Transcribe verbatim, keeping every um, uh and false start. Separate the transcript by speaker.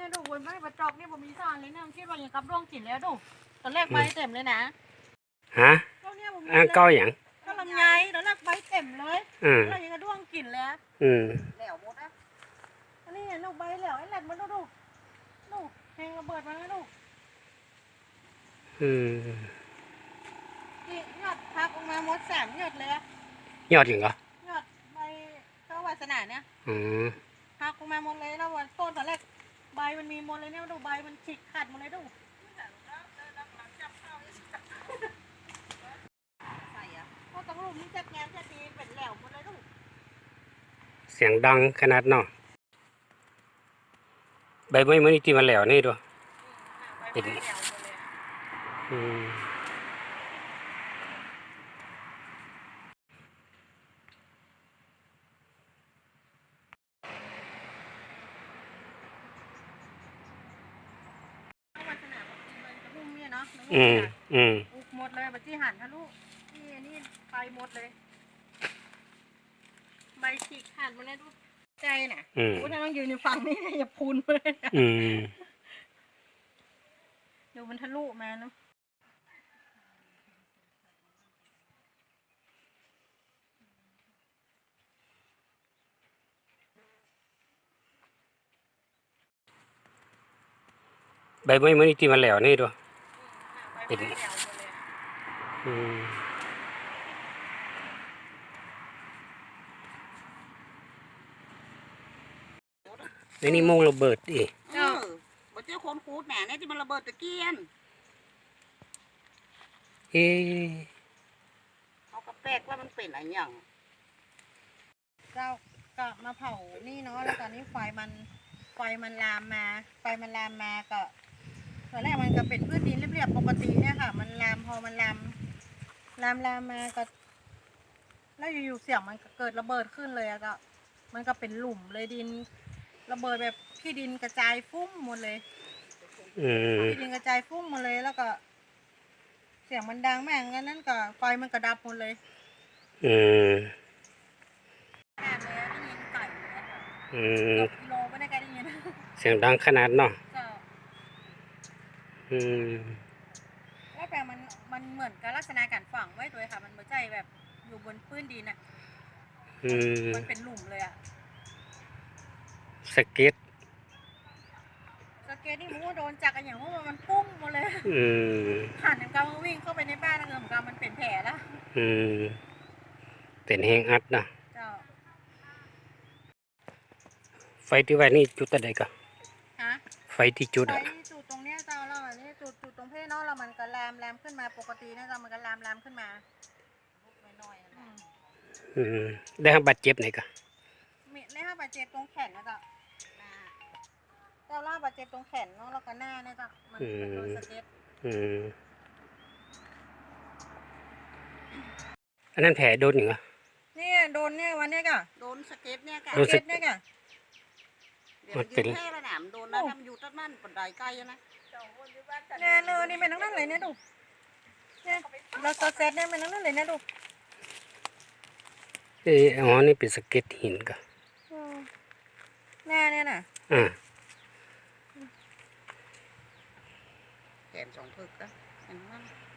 Speaker 1: เนี่ยดูบนใบประจอกเนี่ยผมมีสารเลยนะคิดว่าอย่างกับร่วงกินแล้วดูตอนแรกใบเต็มเลยนะ
Speaker 2: ฮะ
Speaker 1: ก็เนี่ยผม
Speaker 2: อันเก้าอย่าง
Speaker 1: ก็ลำไยตอนแรกใบเต็มเลยแล้วยังกระด้วงกินแล้ว
Speaker 2: อืม
Speaker 1: แหลวหมดนะอันนี้เนี่ยลูกใบแหลวไอ้แหลมมันดูดูดูแหงระเบิดมาแล้วดู
Speaker 2: อืม
Speaker 1: นี่ยอดพักออกมาหมดสามยอดเลย
Speaker 2: ยอดอย่างเหร
Speaker 1: อยอดใบเจ้าวาสนาเนี่ย
Speaker 2: อืม
Speaker 1: พักออกมาหมดเลยแล้ววันต้นตอนแรกใบมันมีหมดเลยเนี่ยดูใบมันฉีกขาดหมดเลยดูเพราะตรงรูปนี้จัดงานจัดดีเป็นแหลวหมดเลยดู
Speaker 2: เสียงดังขนาดเนาะใบไม้มันนี่ที่มันแหลวนี่ด้วยเป็นอืมอืมอืม
Speaker 1: อุกหมดเลยบัจีหันทะลุนี่นี่ไปหมดเลยใบฉีกขาดหมดเลยดูใจน่ะโอ้ถ้าต้องยืนอยู่ฝั่งนี้อย่าพูนเลย
Speaker 2: อืม
Speaker 1: ดูมันทะลุมาเนาะ
Speaker 2: ใบไม้มันนี่ที่มันแหลวนี่ด้วยเป็นอืมนี่นี่โมงระเบิดอี
Speaker 3: เออบ่เจ้าคนคูดแหน่เนี่ยที่มันระเบิดตะเกียน
Speaker 2: เอ๊ะ
Speaker 3: เขาก็แปลกว่ามันเป็นอะไรอย่าง
Speaker 1: เจ้าก็มาเผานี่เนาะแล้วตอนนี้ไฟมันไฟมันลามมาไฟมันลามมาก็ตอนแรกมันก็เป็นพืชดินเรียบๆปกติเนี่ยค่ะมันลามพอมันลามลามลามมาก็แล้วอยู่ๆเสียงมันเกิดระเบิดขึ้นเลยอะก็มันก็เป็นหลุมเลยดินระเบิดแบบขี้ดินกระจายฟุ้งหมดเลยขี้ดินกระจายฟุ้งหมดเลยแล้วก็เสียงมันดังแม่งงั้นนั่นก็ไฟมันกระดับหมดเลย
Speaker 2: อืม
Speaker 1: แม่เลยได้ยินไก่เลยค่ะ
Speaker 2: อืม
Speaker 1: กิโลไม่ได้แกได้ยิน
Speaker 2: เสียงดังขนาดเนาะอืม
Speaker 1: แล้วแต่มันมันเหมือนกับลักษณะการฝังไว้ตัวค่ะมันเหมือนใจแบบอยู่บนพื้นดินอ่ะมันเป็นหลุมเลยอ่ะ
Speaker 2: สเก็ต
Speaker 1: สเก็ตนี่มันก็โดนจักกันอย่างพวกมันปุ้งหมดเลยผ่านน้ำกำวิ่งเข้าไปในบ้านแล้วเงินกำมันเป็นแผลแล้ว
Speaker 2: อืมเป็นแห้งอัดนะไฟที่ไว้นี่จุดอะไรกันไฟที่จุดอะ
Speaker 1: ไฟจุดตรงเนี้ยเจ้าแล้วอันนี้จุดจุดตรงเพศเนาะแล้วมันก็แรมแรมขึ้นมาปกตินะเจ้ามันก็แรมแรมขึ้นมาน้อยๆ
Speaker 2: อืมได้รับบาดเจ็บไหนกัน
Speaker 1: มีได้รับบาดเจ็บตรงแขนนะเจ้าเจ้าล่าบาดเจ็บตรงแขนเนาะแล้วก็หน้าเนี่ยเจ้ามันเป็นโดนสเก็ต
Speaker 2: อันนั้นแผลโดนอย่างไร
Speaker 1: นี่โดนเนี่ยวันนี้ก่ะ
Speaker 3: โดนสเก็ตเนี่ยก่ะ
Speaker 1: สเก็ตเนี่ยก่ะ
Speaker 3: เดี๋ยวยืนแค่ระดับโดนแล้วทำอยู่ต้นมันปนไดใกล้นะ
Speaker 1: เนี่ยเนอนี่เป็นทั้งนั้นเลยเนี่ยดูเนี่ยเราสเก็ตเนี่ยเป็นทั้งนั้นเลยเนี่ยดู
Speaker 2: เอออ๋อนี่เป็นสเก็ตหินก่ะ
Speaker 1: แน่เนี่ยน่ะ
Speaker 2: อ่า
Speaker 3: แขนสองพึกนะเห็นไหม